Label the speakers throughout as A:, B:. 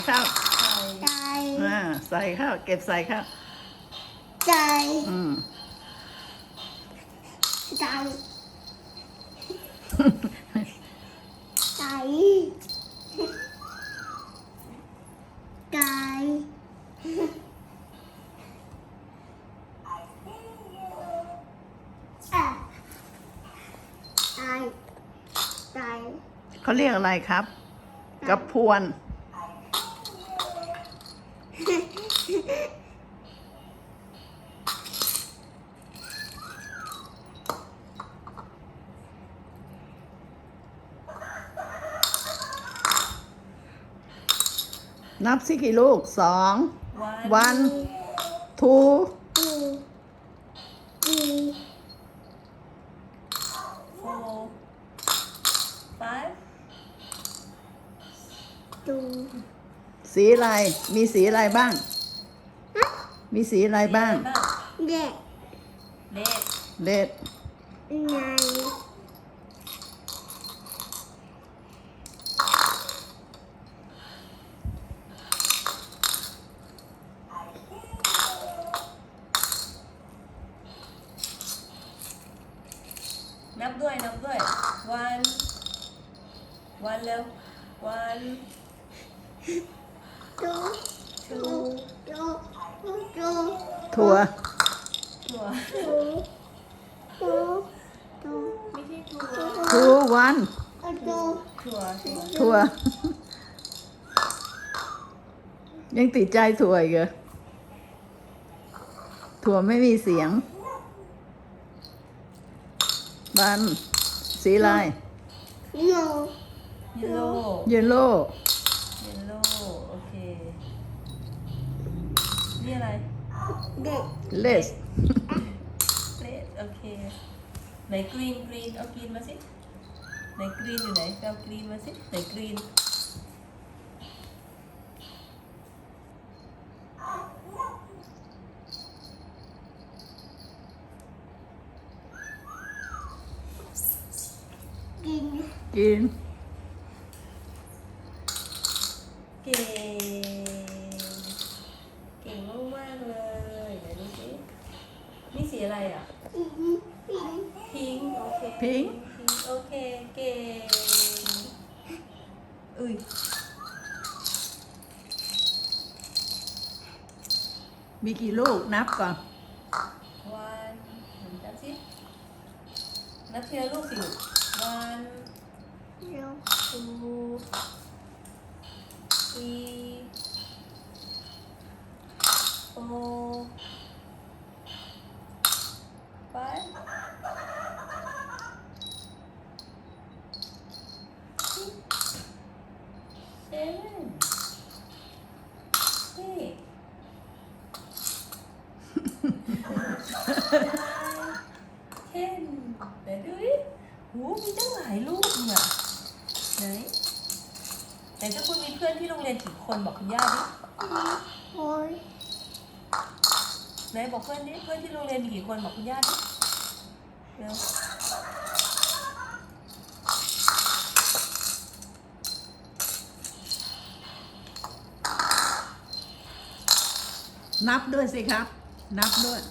A: ข้าว
B: ใจ
A: ใส่ข้าวเก็บใส่ข้าว
B: ใจ
A: อืม
B: ใจใจใจใจใจ
A: เขาเรียกอะไรครับกระพวนนับสิกี่ลูก2 1 2
C: 4 5
B: ดู
A: สีอะไรมีสีอะไรบ้าง มีสีอะไรบ้าง
B: เด็ก
C: เด็ก
A: เด็ด
B: ไง
C: นับด้วยวันเร็ววัน
B: ดู
C: two
B: ดูดู
A: ถั่ว
C: ถั่ว
B: ดูดูดู
C: ไม่ใช่ถั่ว
A: 2 1
B: ดู
C: ถั่ว
A: ถั่ว ยังติดใจถั่วอีกเหรอถั่วไม่มีเสียงบันสีอะไร
B: โย
C: เยลโล่
A: เยลโล่
C: โอเคนี่อะไร
B: เด็ก
A: เลส
C: เรดโอเคไหนกรีนเอากรีนมาสิไหนกรีนอยู่ไหนเอากรีนมาสิไหนกรีน
B: กิน
A: กิน
C: เก่งมากๆเลยไหนดูสินี่สีอะไรอ่ะ
B: กินกิน
C: พิงโอเค
A: Pink
C: โอเคเก่งอุ้ย
A: มีกี่ลูกนับก่อน
C: วันนับสินับทีละลูกสิลูกวัน
B: เร็ว
C: two three four five six seven eight ten ไหนดูดิโหมีตั้งหลายลูกเนี่ยไหนเจ้าคุณมีเพื่อนที่โรงเรียนกี่คนบอกคุณย่าดิ
B: โอ้ย
C: ไหนบอกเพื่อนดิเพื่อนที่โรงเรียนมีกี่คนบอกคุณย่าดิเร็ว
A: นับด้วยสิครับ นับด้วย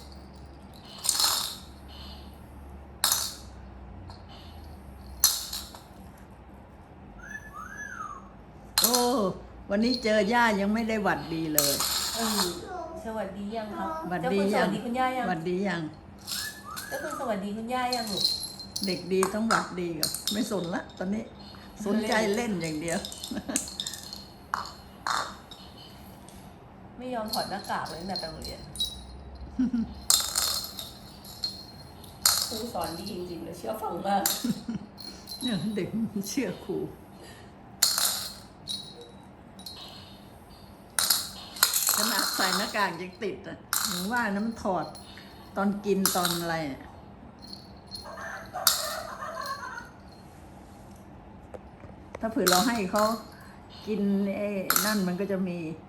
A: โอ้ วันนี้เจอย่ายังไม่ได้หวัดดีเลย
C: เออสวัสดียังครับ
A: หวัด
C: เจ้า
A: ดี
C: คุณส
A: ยั
C: วัสดีคุณย่ายัง
A: หวัดดียัง
C: เจ้าคุณสวัสดีคุณย่ายังลูก
A: เด็กดีต้องหวัดดีก่อนไม่สนละตอนนี้ สนใจเล่นอย่างเดียว
C: ไม่ยอมถอดหน้ากากเลยตั้งแต่ไปโรงเรียนครูสอนดีจริงๆเลยเชื่อฟังมาก
A: เนี่ยเด็กเชื่อครูขนาดใส่หน้ากากยังติดอ่ะหนูว่าน้ำถอดตอนกินตอนอะไรอะถ้าเผื่อเราให้เขากินไอ้นั่นมันก็จะมี